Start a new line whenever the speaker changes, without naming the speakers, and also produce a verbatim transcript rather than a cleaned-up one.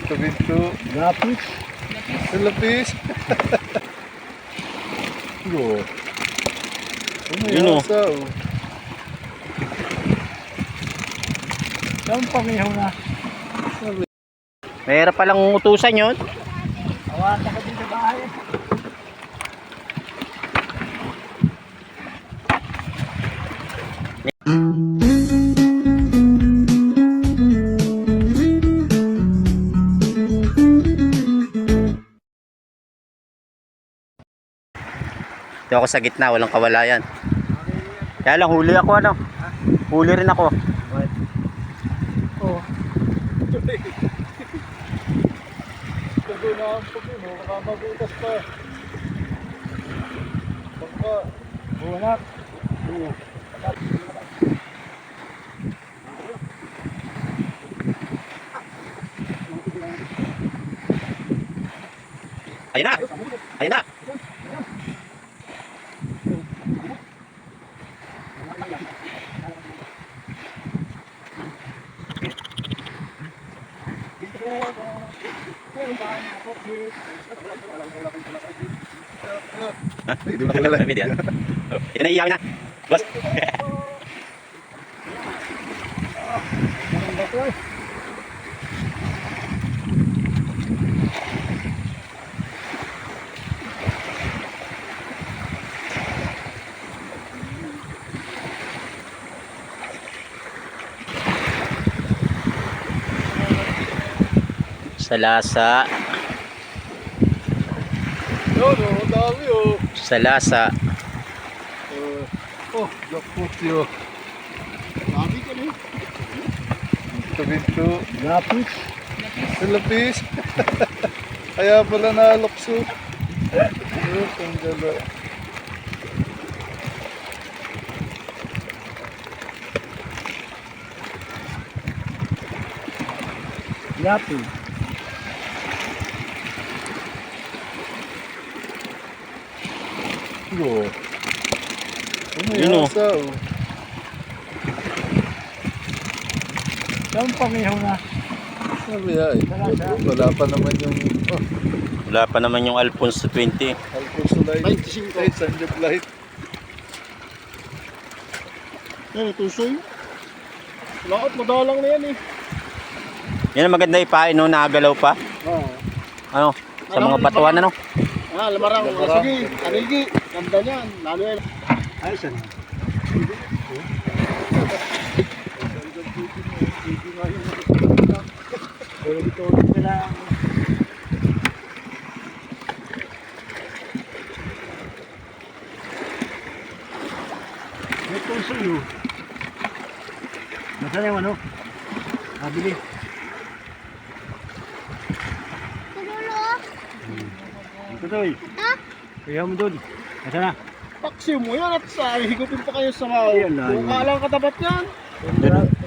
Binto.
Lapis.
Lapis. Go.
Yun o.
Umayasa o.
Saan pangihaw na?
Mahirap palang utusan yun.
Awata ka din sa bahay.
Dito ako sa gitna, walang kawalayan. Kaya lang huli ako ano. Huli rin ako.
Oh. Sabi na ang puti mo, baka mabutas pa. Baka.
Buwanak. Oo.
Ayun na! Ayun na! Ha? Hindi mo lang video. Ito na iyakin na. Boss. Sa lasa.
No, no, dami oh.
Sa lasa.
Uh, oh, jackpot yun.
Dami ka na.
Binto, Binto.
Lapis.
Lapis. Kaya pala nalokso. Oh, tanggala.
Lapis.
Go.
Yun o.
Umayasa o.
Saan pangihaw na?
Sabi ya eh. Wala pa naman yung oh,
Wala pa naman yung Alfonso twenty.
Alfonso Light.
twenty-five.
Ay, Sanjab Light.
Yan, tusoy. Laot, madalang na yan eh.
Yan ang maganda ipain no, nakagalaw pa.
Oo.
Ano? Sa mga batuan ano?
Ah, lamarang.
Lamarang.
Sige, anigi. Ganda niyan. Lalo yan. Ay, saan? Pero dito ulit nila. May puso yun. Nasaan yung ano? Nabili. Ito to eh. Ha? Kaya mo doon. Nasaan na? Paksi mo yan at sa higupin pa kayo sa mga. Kung kaalang katapat yan.